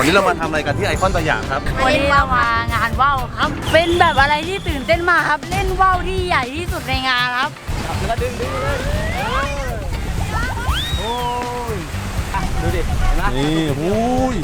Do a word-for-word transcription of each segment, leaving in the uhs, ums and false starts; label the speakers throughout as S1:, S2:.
S1: วันนี้เรามาทำอะไรกันที่ไอคอนสยามครับ
S2: วันนี้เรามางานว่าวครับเป็นแบบอะไรที่ตื่นเต้นมากครับเล่นว่าวที่ใหญ่ที่สุดในงานครับ
S1: แล้วก็ดึงดึงเลยโอ้ยดูดิเห็นไหมนี่หูย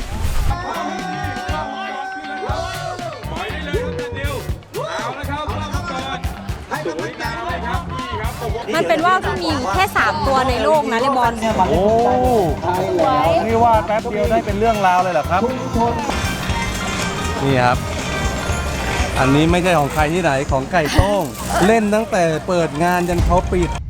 S3: มันเป็นว่าวที่มีแค่สามตัวในโลกนะเลบอน
S1: โอ้นี่ว่าแป๊บเดียวได้เป็นเรื่องราวเลยเหรอครับนี่ครับอันนี้ไม่ใช่ของใครที่ไหนของไก่โต้งเล่นตั้งแต่เปิดงานจนเขาปิด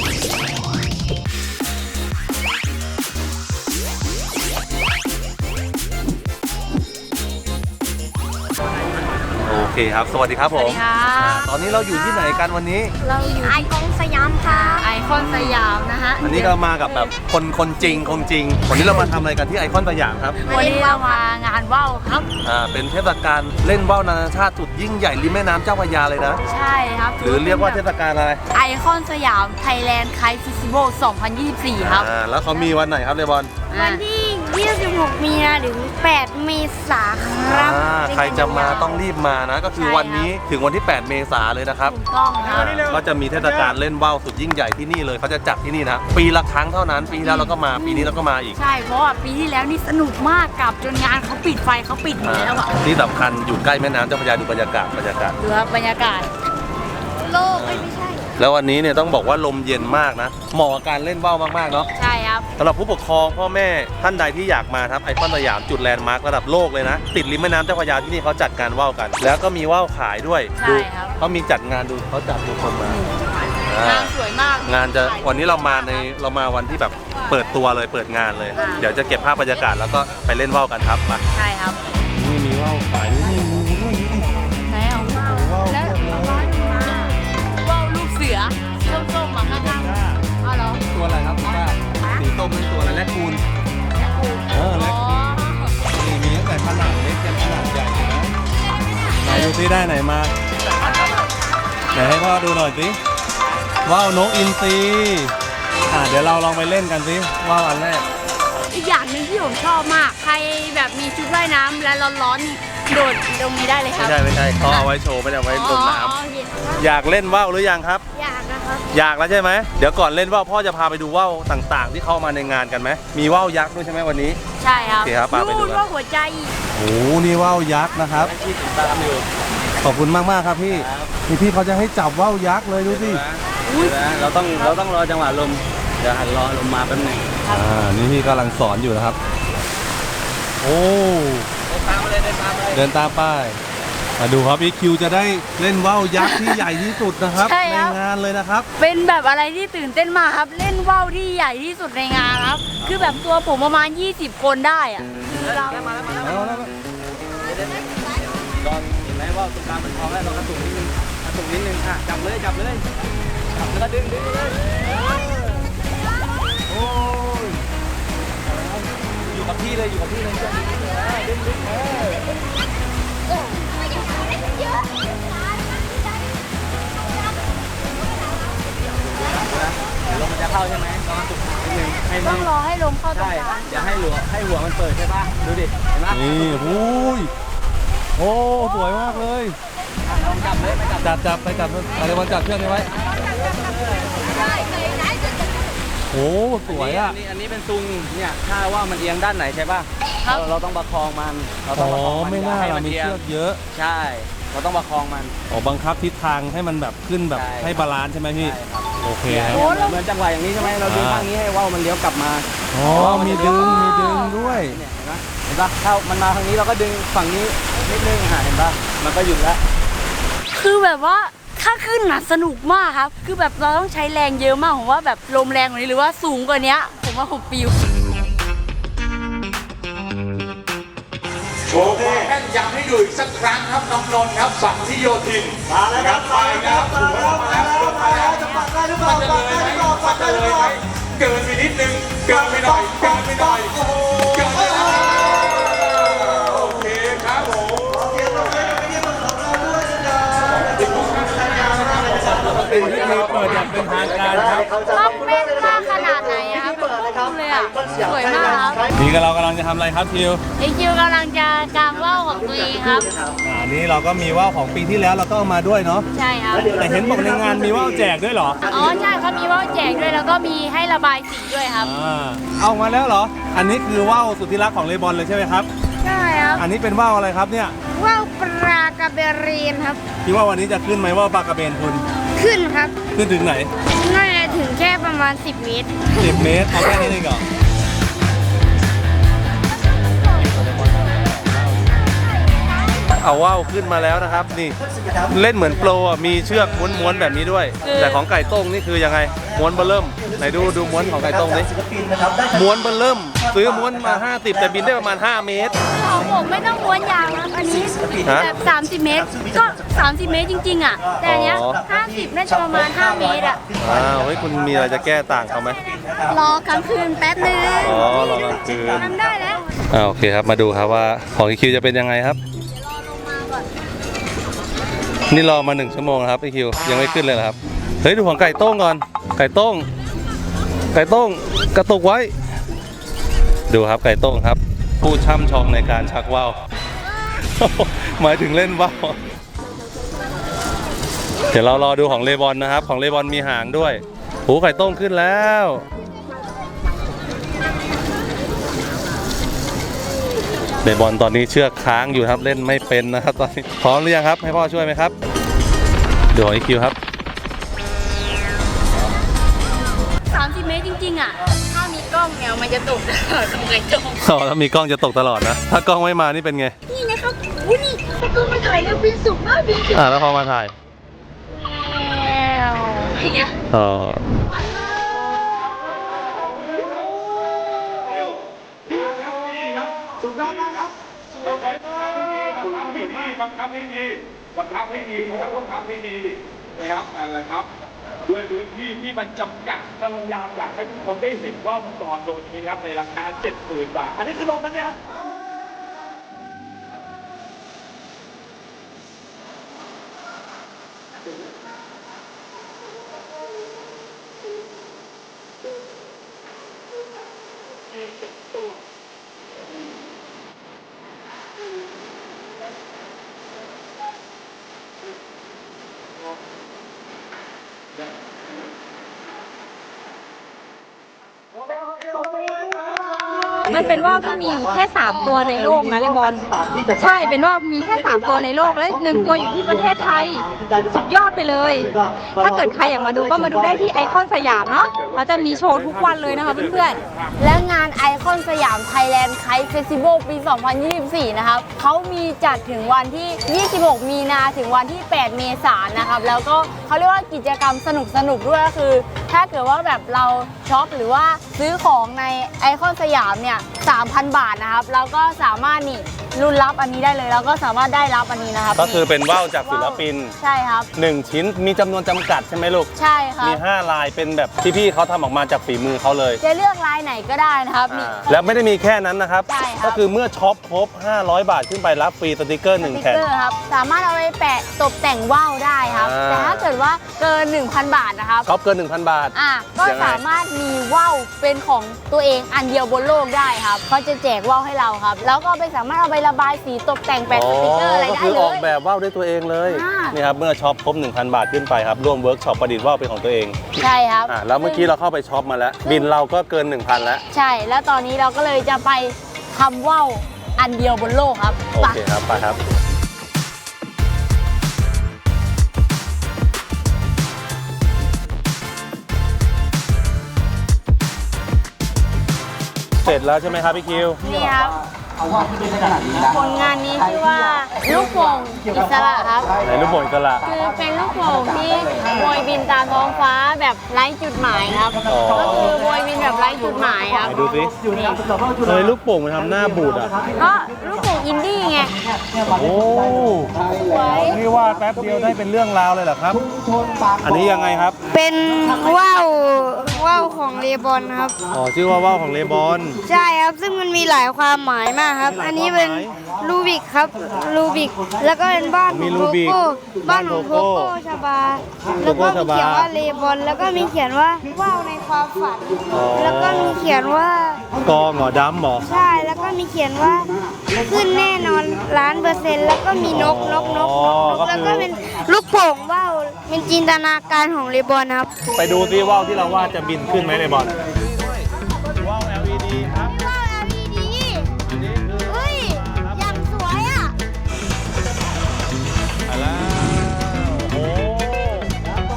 S1: โอเคครับสวัสดีครับผมตอนนี้เราอยู่ที่ไหนกันวันนี้
S2: เราอยู่ไอคอนสยามค่ะไอคอนสยามนะฮะ
S1: อันนี้ก็มากับแบบคนคนจริงคงจริงวันนี้เรามาทำอะไรกันที่ไอคอนสยามครับ
S2: วันนี้เรามางานว่าวครับ
S1: อ่าเป็นเทศกาลเล่นว่าวนานาชาติสุดยิ่งใหญ่ริมแม่น้ำเจ้าพระยาเลยนะ
S2: ใช่ครับ
S1: หรือเรียกว่าเทศกาลอะไร
S2: ไอคอนสยามไทยแลนด์ไคท์เฟสติวัลสองพันยี่สิบสี่ครับ
S1: อ่าแล้วเขามีวันไหนครับเลบอน
S2: วันที่ยี่สิบหกมีนาถึงแปดเมษายนครับ
S1: ใครจะมาต้องรีบมานะก็คือวันนี้ถึงวันที่แปดเมษายนเลยนะครับ
S2: ถูกต้องครับ
S1: ก็จะมีเทศกาลเล่นว่าวสุดยิ่งใหญ่ที่นี่เลยเขาจะจัดที่นี่นะปีละครั้งเท่านั้นปีที่แล้วเราก็มาปีนี้เราก็มาอีก
S2: ใช่เพราะว่าปีที่แล้วนี่สนุกมากกับจนงานเขาปิดไฟเขาปิดหมดแล้วอ่ะ
S1: ที่สำคัญอยู่ใกล้แม่น้ำเจ้าพระยาดูบรรยากาศบรรยากาศ
S2: ดูครับบรรยากาศโลกไม่ใช่
S1: แล้ววันนี้เนี่ยต้องบอกว่าลมเย็นมากนะเหมาะกับการเล่นว่าวมากๆเนาะ
S2: ใช่ครับ
S1: สำหรับผู้ปกครองพ่อแม่ท่านใดที่อยากมาครับไอคอนสยามจุดแลนด์มาร์คระดับโลกเลยนะติดริมแม่น้ำเจ้าพระยาที่นี่เขาจัดการว่าวกันแล้วก็มีว่าวขายด้วย
S2: ดู
S1: เขามีจัดงานดูเขาจัดดูคนม
S2: างานสวยมาก
S1: งานจะวันนี้เรามาในเรามาวันที่แบบเปิดตัวเลยเปิดงานเลยเดี๋ยวจะเก็บภาพบรรยากาศแล้วก็ไปเล่นว่าวกันครับมา
S2: ใช่ครับ
S1: นี่มีว่าวขายนี่
S2: ไหนเอาว่าวแล้วว่าวลูกเสือส้มๆมาข้างๆอ๋อเหรอ
S1: ตัวอะไรครับป้าสีส้มเป็นตัวอะไรแรดคูนเออแรดคูนนี่มีตั้งแต่ขนาดเล็กจนขนาดใหญ่นะไหนดูซิได้ไหนมาไหนให้พ่อดูหน่อยสิว่าวนกอินทรีอ่าเดี๋ยวเราลองไปเล่นกันสิว่าวอันแรก
S2: อีกอย่างหนึ่งที่ผมชอบมากใครแบบมีชุดว่ายน้ำและร้อนๆโดดตรงนี้ได้เลยครับ
S1: ไม่ใช่ไม่ใช่เขาเอาไว้โชว์ไม่ได้เอาไว้ลงน้ำอยากเล่นว่าวหรือยังครับ
S2: อยากนะครับ
S1: อยากแล้วใช่ไหมเดี๋ยวก่อนเล่นว่าวพ่อจะพาไปดูว่าวต่างๆที่เข้ามาในงานกันไหมมีว่าวยักษ์ด้วยใช่ไหมวันนี้
S2: ใช่ครับ
S1: โอเคครับพาไปดู
S2: ว่าวหัวใจ
S1: โอ้นี่ว่าวยักษ์นะครับขอบคุณมากมากครับพี่นี่พี่เขาจะให้จับว่าวยักษ์เลยดูสิ
S4: เราต้องเราต้องรอจังหวะลมเดี๋ยวหันรอลมมาแป๊บนึง
S1: อ่านี่พี่กำลังสอนอยู่นะครับโอ้เดินตามไปมาดูครับอีคิวจะได้เล่นว่าวยักษ์ที่ใหญ่ที่สุดนะครับในงานเลยนะครับ
S2: เป็นแบบอะไรที่ตื่นเต้นมากครับเล่นว่าวที่ใหญ่ที่สุดในงานครับคือแบบตัวผมประมาณยี่สิบคนได้อะ
S4: เรามาแล้วมาแล้วมาแล้วลองเห็นไหมว่าตรงกลางเป็นทองแล้วเรากระตุกนิดนึงกระตุกนิดนึงค่ะจับเลยจับเลยจับแล้วก็ดึงดึงเลยโอ้ยอยู่กับที่เลยอยู่กับที่เลยดึงดึงเออลมมันจะเข้าใช่ไหมต้องกระตุกนิดนึง
S2: ต้องรอให้ลมเข้าตรงกลาง
S4: อย่าให้หัวให้หัวมันเปิดใช่ป่ะดูดิเห็นไหม
S1: นี่หูยโอ้สวยมากเลย
S4: จับเลยไปจับ
S1: จับจับไปจับอะไรมาจับเชือกนี้ไว้โอ้สวยอ่ะ
S4: อันนี้เป็นซุงเนี่ยถ้าว่ามันเอียงด้านไหนใช่ป่ะเราเราต้องประคองมันเราต้องประคองมัน
S1: ไม่น่าเรามีเชือกเยอะ
S4: ใช่เราต้องประคองมัน
S1: อ๋อบังคับทิศทางให้มันแบบขึ้นแบบให้บาลานซ์ใช่ไหมพี่โอเคครับ
S4: เหมือนจังหวะอย่างนี้ใช่ไหมเราดึงทางนี้ให้ว่าวมันเลี้ยวกลับมา
S1: อ๋อมีดึงมีดึงด้วย
S4: เห็นปะเห็นปะถ้ามันมาทางนี้เราก็ดึงฝั่งนี้นิดนึงหาเห็นปะมันก็หยุดแล้ว
S2: คือแบบว่าถ้าขึ้นน่ะสนุกมากครับคือแบบเราต้องใช้แรงเยอะมากผมว่าแบบลมแรงกว่านี้หรือว่าสูงกว่านี้ผมว่าผมปิว
S5: โชว์ความแม่นยำให้ดูอีกสักครั้งครับน้องนนท์ครับสังที่โยธินมาแล้วครับไปนะครับถูกแล้วมาแล้วมาแล้วจะปัดได้หรือเปล่าปัดได้หรือเปล่าปัดได้หรือเปล่าเกินไปนิดนึงเกินไปหน่อยเกินไปหน่อยโอ้โหเกินไปหน่อยโอเคครับผม
S1: เป็นพิธีเปิดอย่างเป็นทางการครับ
S2: ต้องแม่นมากขนาดไหนครับดูเลยอ่ะสวยมากครับ
S1: นี่ก็เรากำลังจะทำอะไรครับทิว
S2: ไอคิวกำลังจะกางว่าวของตัวเองครับ
S1: อ่านี่เราก็มีว่าวของปีที่แล้วเราก็เอามาด้วยเนาะ
S2: ใช่ครับ
S1: แต่เห็นบอกในงานมีว่าวแจกด้วยเหรอ
S2: อ๋อใช่ครับมีว่าวแจกด้วยแล้วก็มีให้ระบายสีด้วยครับ
S1: อ่าเอามาแล้วเหรอ อันนี้คือว่าวสุดที่รักของเลบอนเลยใช่ไหมครับ
S2: ใช่ครับ
S1: อันนี้เป็นว่าวอะไรครับเนี่ย
S2: ว่าวปลากระเบรีนครับ
S1: คิดว่าวันนี้จะขึ้นไหมว่าวปลากระเบนคุณ
S2: ขึ้นครับ
S1: ขึ้นถึงไหน
S2: น่าจะถึงแค่ประมาณสิบเมตร
S1: สิบเมตรเอาแค่นี้เองเหรอเอาว่าวขึ้นมาแล้วนะครับนี่เล่นเหมือนโปรอ่ะมีเชือกม้วนๆแบบนี้ด้วย แต่ของไก่ต้งนี่คือยังไงม้วนเบอร์เริ่มไหนดูดูม้วนของไก่ต้งนี่ม้วนเบอร์เริ่มซื้อม้วนมาห้าสิบแต่บินได้ประมาณห้าเมตร
S2: ของผมไม่ต้องม้วนยาวนะอันนี้
S1: ฮะ
S2: แบบสามสิบเมตร ก็สามสิบเมตรจริงๆอ่ะ แต่อันเนี้ย
S1: อ๋อ
S2: ห้าสิบน่าจะประมาณห้าเมตรอ่ะ
S1: อ้าวเฮ้ยคุณมีอะไรจะแก้ต่างเขาไหม
S2: รอกลางคืนแป๊บนึง
S1: อ๋อรอกลางคืน
S2: ทำได้แล้ว
S1: อ่าโอเคครับมาดูครับว่าของอีคิวจะเป็นยังไงครับ
S2: รอลงมาก่อน
S1: นี่รอมาหนึ่งชั่วโมงแล้วครับอีคิวยังไม่ขึ้นเลยเหรอครับเฮ้ยดูของไก่โต้งก่อนไก่โต้งไก่โต้งกระตุกไว้ ดูครับไก่โต้งครับ ผู้ช่ำชองในการชักว่าว หมายถึงเล่นว่าวเดี๋ยวเรารอดูของเลบอนนะครับของเลบอนมีหางด้วยโอ้ไก่โต้งขึ้นแล้วเลบอนตอนนี้เชือกค้างอยู่ครับเล่นไม่เป็นนะครับตอนนี้พร้อมหรือยังครับให้พ่อช่วยไหมครับดูของอีคิวครับ
S2: สามสิบเมตรจริงๆอ่ะ ถ้ามีกล้องเนี่ยมันจะตกตลอดของไก่จง
S1: อ๋อถ้ามีกล้องจะตกตลอดนะ ถ้ากล้องไม่มานี่เป็นไง
S2: นี่นะครับอุ้ยนี่ถ้ากล้องมาถ่ายแล้วบินสูงมากบินสูง
S1: อ่าแล้วพอมาถ่าย
S2: แล้วอย่างเงี้ย
S1: อ๋อ
S5: สุดยอดมากครับบังคับให้ดีบังคับให้ดีบังคับให้ดีนะครับบังคับให้ดีนะครับอะไรครับด้วยพื้นที่ที่มันจำกัดพยายามอยากให้ทุกคนได้เห็นว่ามังกรโดนนี้ครับในราคาเจ็ดหมื่นบาทอันนี้คือลงนั้นเนี่ย
S3: มันเป็นว่าวที่มีอยู่แค่สามตัวในโลกนะเลบอนใช่เป็นว่าวมีแค่สามตัวในโลกและหนึ่งตัวอยู่ที่ประเทศไทยสุดยอดไปเลย ถ้าเกิดใครอยากมาดูก็มาดูได้ที่ไอคอนสยามเนาะเราจะมีโชว์ทุกวันเลยนะคะเพื่อนๆ
S2: และงานไอคอนสยามไทยแลนด์ไคท์เฟสติวัลปี สองพันยี่สิบสี่ นะครับเขามีจัดถึงวันที่ ยี่สิบหก มีนาถึงวันที่ แปด เมษายนนะครับ แล้วก็เขาเรียกว่ากิจกรรมสนุกสนุกๆด้วยก็คือ ถ้าเกิดว่าแบบเราช็อปหรือว่าซื้อของในไอคอนสยามเนี่ย สามพัน บาทนะครับ แล้วก็สามารถนี่รุ่นรับอันนี้ได้เลย แล้วก็สามารถได้รับอันนี้นะครับ
S1: ก็คือเป็นว่าวจากศิลปิน
S2: ใช่ครับ
S1: หนึ่งชิ้นมีจำนวนจำกัดใช่ไหมลูก
S2: ใช่ครับ
S1: มีห้าลายเป็นแบบที่พี่เขาทำออกมาจากฝีมือเขาเลย
S2: จะเลือกลายไหนก็ได้นะครับนี่
S1: อ่าแล้วไม่ได้มีแค่นั้นนะครับ
S2: ใช่ครับ
S1: ก็คือเมื่อช็อปครบห้าร้อยบาทขึ้นไปรับฟรีสติกเกอร์หนึ่ง
S2: สติ๊ก
S1: แผ่น
S2: เกอร์ครับสามารถเอาไปแปะตกแต่งว่าวได้ครับ
S1: อ่า
S2: แต่ถ้าเกิดว่าเกิน หนึ่งพัน บาทนะครับ
S1: ช็อปเกิน หนึ่งพัน บาท
S2: อ่ะก็
S1: ยังไง
S2: สามารถมีว่าวเป็นของตัวเองอันเดียวบนโลกได้ครับเขาจะแจกว่าวให้เราครับ แล้วก็ไปสามารถเอาไประบายสีตกแต่งแปะสติ๊กเกอร์อะไร
S1: ก็
S2: ได้
S1: คือ
S2: เล
S1: ออก
S2: ย
S1: แบบว่าวด้วยตัวเองเลย
S2: อ่า
S1: นี่ครับเมื่อช็อปครบ หนึ่งพัน บาทขึ้นไปครับร่วมเวิร์กช็อปประดิษฐ์ว่าวเป็นของตัวเอง
S2: ใช่ครับ
S1: อ่าแล้วเมื่อกี้เราเข้าไปช็อปมาแล้ว บินเราก็เกิน หนึ่งพัน แล้ว
S2: ใช่ แล้วตอนนี้เราก็เลยจะไปทำว่าวอันเดียวบนโลกครับ
S1: โอเคครับไปครับ เสร็จแล้วใช่ไหมครับพี่คิว
S2: นี่ครับผลงานนี้ชื่อว่าลูกโป่งอิสระครับ
S1: ไหนลูกโป่งอิสระ
S2: คือเป็นลูกโป่งที่โบยบินตามท้องฟ้าแบบไร้จุดหมายครับ
S1: อ๋อ
S2: ก็คือโบยบินแบบไร้จุดหมายครับ
S1: ไหนดูสิเฮ้ยลูกโป่งมันทำหน้าบูดอ่ะ
S2: ก็ลูกโป่งอินดี้ไง
S1: โอ้
S2: สวย
S1: นี่ว่าแป๊บเดียวได้เป็นเรื่องราวเลยเหรอครับ อันนี้ยังไงครับ
S2: เป็นว่าว
S6: ว่าวของเลบอนครับ
S1: อ๋อชื่อว่าว่าวของเลบอน
S6: ใช่ครับ ซึ่งมันมีหลายความหมายมากครับ อันนี้เป็นรูบิกครับ รูบิก แล้วก็เป็นบ้านของโกโก้ บ้านของโกโก้ชาบา แล้วก็มีเขียนว่าเลบอน แล้วก็มีเขียนว่าว่าวในความฝัน แล้วก็มีเขียนว่าก
S1: องเหรอดำเหรอ
S6: ใช่ แล้วก็มีเขียนว่าขึ้นแน่นอนล้านเปอร์เซ็นต์ แล้วก็มีนกนกนกนกนกแล้วก็เป็นลูกโป่งว่าวเป็นจินตนาการของเลบอนครับ
S1: ไปดูซิว่าวที่เราว่าจะบินขึ้นไหมเลบอนว่าว แอล อี ดี ครับ
S6: ว่าว แอล อี ดี เฮ้ย อย่างสวยอ่ะ
S1: ไปแล้วโอ้โห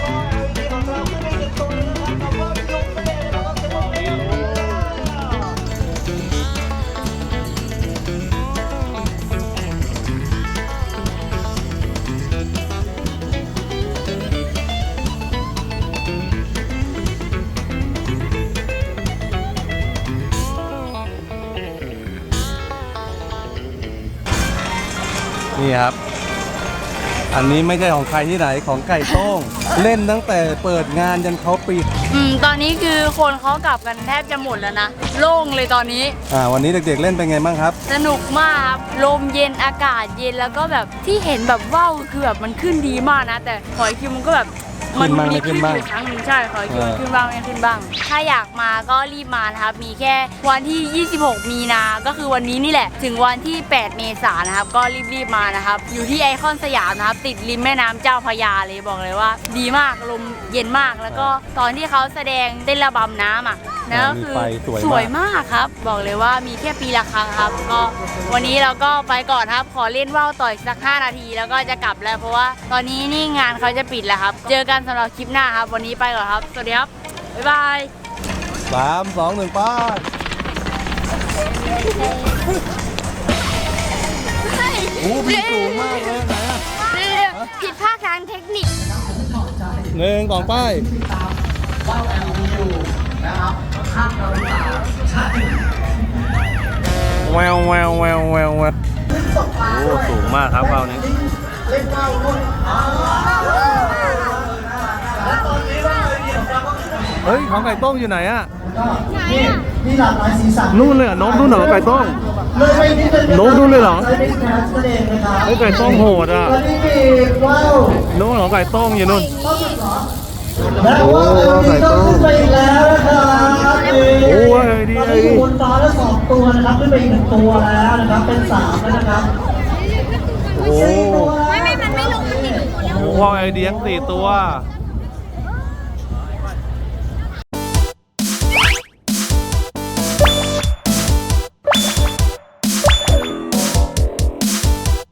S1: นี่ครับ อันนี้ไม่ใช่ของใครที่ไหนของไก่โต้ง เล่นตั้งแต่เปิดงานจนเขาปิด
S2: อืม ตอนนี้คือคนเขากลับกันแทบจะหมดแล้วนะ โล่งเลยตอนนี้
S1: อ่าวันนี้เด็กๆเล่นเป็นไงบ้างครับ
S2: สนุกมากครับ ลมเย็นอากาศเย็นแล้วก็แบบที่เห็นแบบว่าวคือแบบมันขึ้นดีมากนะ แต่หอยคิวมันก็แบบมั
S1: ขึ้นบ้างไม่ขึ้นบ้าง
S2: อยู่ครั้งหนึ่งใช่หอยคิวมัน
S1: เออ
S2: ขึ้นบ้างไม่ขึ้นบ้าง ถ้าอยากมาก็รีบมานะครับ มีแค่วันที่ ยี่สิบหก มีนา ก็คือวันนี้นี่แหละ ถึงวันที่ แปด เมษายนนะครับ ก็รีบๆมานะครับ อยู่ที่ไอคอนสยามนะครับ ติดริมแม่น้ำเจ้าพระยาเลยบอกเลยว่า ดีมาก ลมเย็นมาก แล้วก็ตอนที่เขาแสดงเต้นระบำน้ำอ่ะนะก็คือ
S1: มีไฟสวยมาก
S2: สวยมากครับ บอกเลยว่ามีแค่ปีละครั้งครับ ก็วันนี้เราก็ไปก่อนครับ ขอเล่นว่าวต่ออีกสักห้านาที แล้วก็จะกลับแล้ว เพราะว่าตอนนี้นี่งานเขาจะปิดแล้วครับ เจอกันสำหรับคลิปหน้าครับ วันนี้ไปก่อนครับ สวัสดีครับ บ๊ายบาย
S1: สามสองหนึ่งป้าโอ้บินสูงมากเลยไหนอะ
S6: ผิดพลาดทางเทคนิค
S1: หนึ่งสองป้ายแววแววแววแววแววโอ้สูงมากครับว่าวนี้เฮ้ยของไก่ต้มอยู่ไหนอะ
S7: มีหลากหลายสีสัน
S1: นู่นเลยเหรอนกนู่นเหรอไก่ต้ม
S7: เลยไปนิดนึง
S1: นกนู่นเลยเหรอ
S7: ใช้เป็นแคสนั่นเองนะครับ
S1: เฮ้ยไก่ต้มโหดอ่ะ
S7: วันนี้มีว่าว
S1: นู่นเหรอไก่ต้มอยู่นู่น
S7: และว่าวเอ็มดีต้องขึ้นไปอีกแล้วนะครับ
S1: โอ้ยดี
S7: ตอนนี้อยู่บนฟ้าแล้วสองตัวนะครับขึ้นไปอีกหนึ่งตัวแล้วนะครับเป็นสามแล้วนะครับ
S1: โอ้
S7: สี่ตัวแล้ว
S6: ไม่ไม่มันไม่ลงมันติดอยู่
S1: โหว่าวไอเดียงสี่ตัว
S6: เ